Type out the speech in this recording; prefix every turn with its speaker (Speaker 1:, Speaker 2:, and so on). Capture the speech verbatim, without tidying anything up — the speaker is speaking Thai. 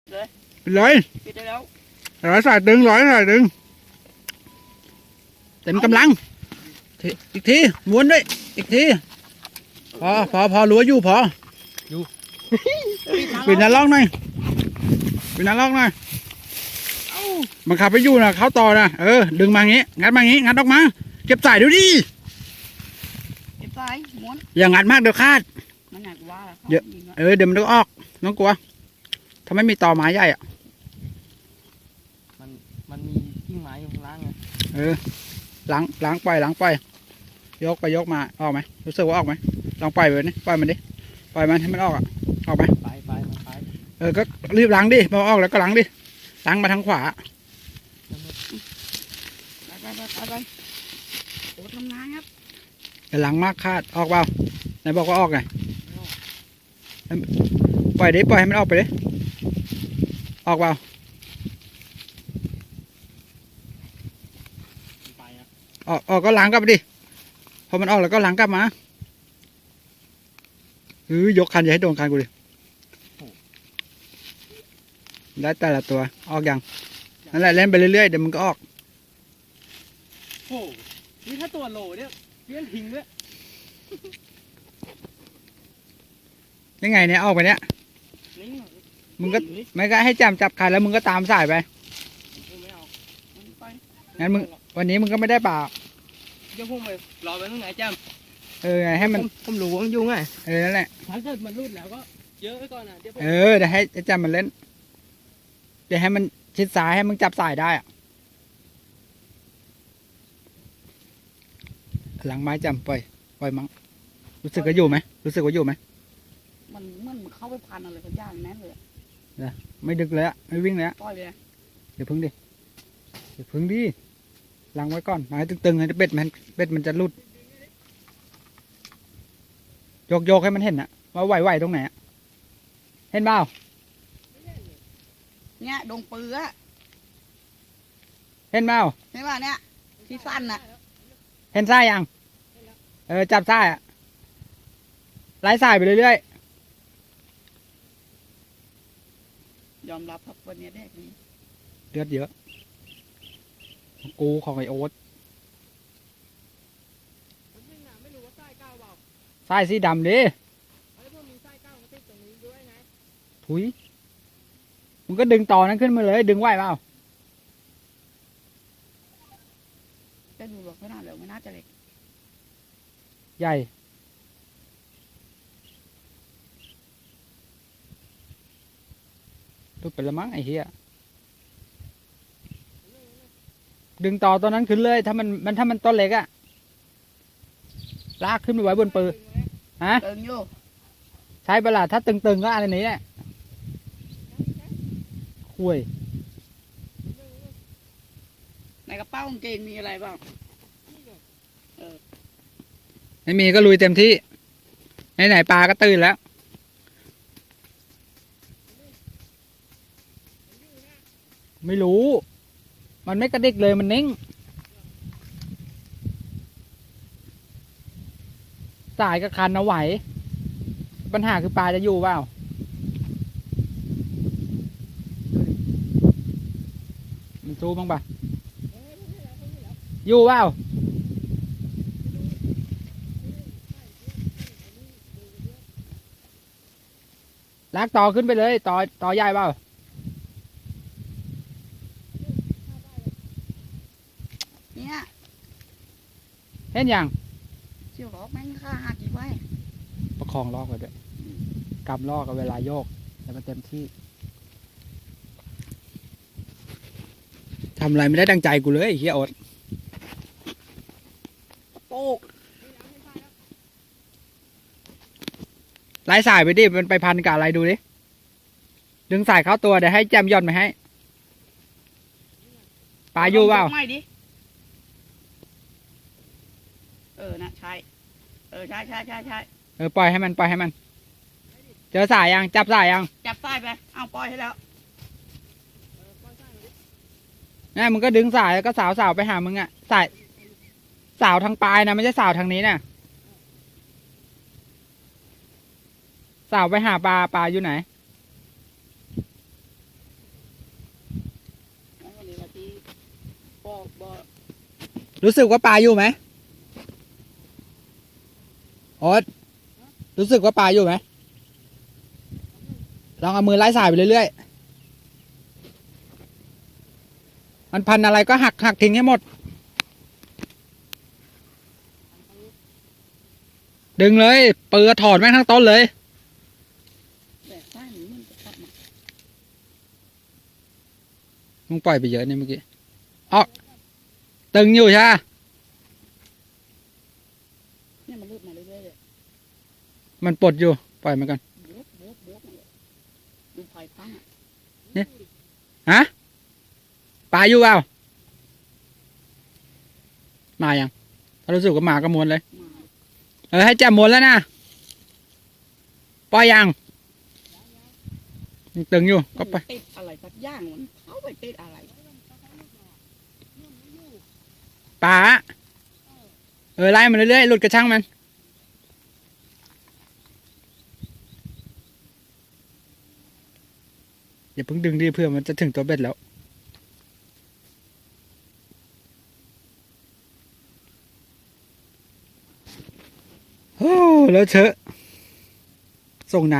Speaker 1: เลย
Speaker 2: เลย
Speaker 1: ปิดได้แล้ว
Speaker 2: ร้อยสายดึงร้อยสายดึงเต็มกำลังอีกทีม้วนด้วยอีกทีพอพอพอรู้ว่าอยู่พออยู่ปิดหน้าล็อกหน่อยปิดหน้าล็อกหน่อยมันขับไปอยู่นะเข้าต่อนะเออดึงมาอย่างงี้งัดมาอย่างงี้งัดออกมาเก็บสายดูดิ
Speaker 1: เก็บสายม้วน
Speaker 2: อย่างงัดมากเดี๋ยวคาด
Speaker 1: มันหนักว่า
Speaker 2: เดี๋ยวเออเดี๋ยวมันต้องออกน้องกลัวถ้าไม่มีต่อไม้ใหญ่อะ
Speaker 3: มันมันมีกิ่งไม้อยู่ข้างล่างไง
Speaker 2: เออล้างล้างไปล้างไปยกไปยกมาออกไหมรู้สึกว่าออกไหมลองปล่อยไปนี่ปล่อยมันดิปล่อยมันให้มันออกอะออกไหม
Speaker 3: ไปไปไป
Speaker 2: เออก็รีบล้างดิพอออกแล้วก็ล้างดิล้างมาทางขวา
Speaker 1: ไปไปไปไปโอ้ทำงานครับ
Speaker 2: อย่าล้างมากคาดออกเปล่าไหนบอกว่าออกไงปล่อยดิปล่อยให้มันออกไปดิออกเปล่า
Speaker 3: ไปอ่ะ
Speaker 2: ออกออกก็ล้างกลับไปดิพอมันออกแล้วก็ล้างกลับมาเออยกคันอย่าให้โดนคันกูดิได้แต่ละตัวออกยังนั่นแหละเล่นไปเรื่อยๆเดี๋ยวมันก็ออก
Speaker 3: โอ้นี่ถ้าตัวโหลเนี่ยเลี้ยงทิ้งด้วย
Speaker 2: ยังไงเนี่ยออกไปเนี่ย
Speaker 3: นี่
Speaker 2: มึงก็ไม่ก็ให้จำจับคันแล้วมึงก็ตามสายไป
Speaker 3: ไม่เอา
Speaker 1: ไป
Speaker 2: งั้นมึงวันนี้มึงก็ไม่ได้เปล่า
Speaker 3: เดี๋ยวพุ่งไปรอไปตรงไหนจ้า
Speaker 2: เออไงให้มัน
Speaker 3: ผมรู้ว่ามันยุ่งไง
Speaker 2: เออนั่นแหละ
Speaker 3: ถ้าเกิดมันรุดแล้วก็เยอะไปก่อนนะเดี๋ยวผม
Speaker 2: เออเดี๋ยวให้ไอ้จำมันเล่นเดี๋ยวให้มันชิดซ้ายให้มึงจับสายได้อะหลังไม้จำปล่อยปล่อยมั้งรู้สึกว่าอยู่ไหมรู้สึกว่าอยู่ไหม
Speaker 1: มันมันเข้าไปพันอะไรกันย่างแน่เลย
Speaker 2: ไม่ดึกเลยอะไม่วิ่งเลยอะ
Speaker 1: ปล่อยเลย
Speaker 2: เดี๋ยวพึ่งดิเดี๋ยวพึ่งดิหลังไว้ก่อนไม้ตึงๆให้เบ็ดมันเบ็ดมันจะรุดโยกโยกให้มันเห็นอะว่าไหวๆตรงไหนอะเห็นเปล่า
Speaker 1: เนี่ยดงปืออะ
Speaker 2: เห็นเปล่า
Speaker 1: ใช่ป่ะเนี่ยที่สั้นน่ะ
Speaker 2: เห็นไส้ยัง เออจับไส้อะไล่สายไปเรื่อย
Speaker 1: ยอมรับครับวันนี้แดกนี้
Speaker 2: ๆเลือดเยอะของกูของไอโอ๊ต
Speaker 3: ไม่รู้ว่าไส้ก้าวเปล่า
Speaker 2: ไส้สีดำดิ
Speaker 3: ไอ้พวกมีไส้ก้าวมาติดตรงนี้ด้วยไง
Speaker 2: ถุยมึงก็ดึงต่อนั้นขึ้นมาเลย ดึงไหวเปล่า
Speaker 1: แต่ดูแบบไม่น่าเลยไม่น่าจะเล็ก
Speaker 2: ใหญ่ดูเป็นละมั้งไอ้เหี้ยดึงต่อตัวนั้นขึ้นเลย ถ้ามันมันถ้ามันต้นเล็กอะลากขึ้นไปไว้บนปืนฮะ
Speaker 1: เติงอยู่
Speaker 2: ใช้เวลาถ้าตึงๆก็อันนี้แหละคุย
Speaker 1: ในกระเป๋ากางเกงมีอะไรบ้าง
Speaker 2: ไม่มีก็ลุยเต็มที่ไหนๆปลาก็ตื่นแล้ว ไม่รู้ มันไม่กระดิกเลยมันนิ่ง สายกับคันเอาไหว ปัญหาคือปลาจะอยู่เปล่า มันสู้บ้างปะอยู่เปล่า ลากต่อขึ้นไปเลย ต่อต่อใหญ่เปล่า
Speaker 1: เนี่ย
Speaker 2: เห็นยัง
Speaker 1: เชี่ยวหรอกแม่งฆ่าหักกี่ไว้
Speaker 2: ประคองลอกไว้ด้วยกำลอกกับเวลาโยกแต่มันเต็มที่ทำอะไรไม่ได้ดังใจกูเลยไอ้เฮียอด
Speaker 1: โป๊ก
Speaker 2: ไล่สายไปดิมันไปพันกับอะไรดูดิดึงสายเข้าตัวเดี๋ยวให้แจมย่อนไปให้ปลาอยู่เปล่า
Speaker 1: ไม่ดิเออนะใช่เออใช่ใช่ใช่ใช่
Speaker 2: เออปล่อยให้มันปล่อยให้มัน เจอสายยังจับสายยัง
Speaker 1: จับใต้ไปเอาปล่อยให้แล้ว
Speaker 2: นี่มึงก็ดึงสายแล้วก็สาวสาวไปหามึงอะสายสาวทางปลายนะไม่ใช่สาวทางนี้นะสาวไปหาปลาปลาอยู่ไหนรู้สึกว่าปลาอยู่ไหมโอ๊ตรู้สึกว่าปลาอยู่ไหมลองเอามือไล่สายไปเรื่อยๆมันพันอะไรก็หักหักทิ้งให้หมดดึงเลยเปิดถอดแม่งทั้งต้นเลย
Speaker 1: แต่ใต้นี้มันจะกลับมา
Speaker 2: มึงปล่อยไปเยอะนี่เมื่อกี้ออกตึงอยู่ใช่ไหม
Speaker 1: เนี่ยมันรูดมาเรื่อยๆเลย
Speaker 2: มันปลดอยู่ปล่อยมันกัน
Speaker 1: โบ๊ะโบ๊ะโบ๊ะมาเลยดูไฟตั้งอ่ะ
Speaker 2: ฮะปลาอยู่เปล่ามายังถ้ารู้สึกว่ามาก็ม้วนเลย
Speaker 1: มา
Speaker 2: เออให้แจ่มม้วนแล้วนะปล่อยยังยังตึงอยู่ก็ไป
Speaker 1: ติดอะไรสักอย่างมันเข้าไปติดอะไร
Speaker 2: ปลาเออไล่มันเรื่อยๆหลุดกระช่างมันอย่าเพิ่งดึงดิเพื่อมันจะถึงตัวเบ็ดแล้วโอ้แล้วเชอะส่งน้ำ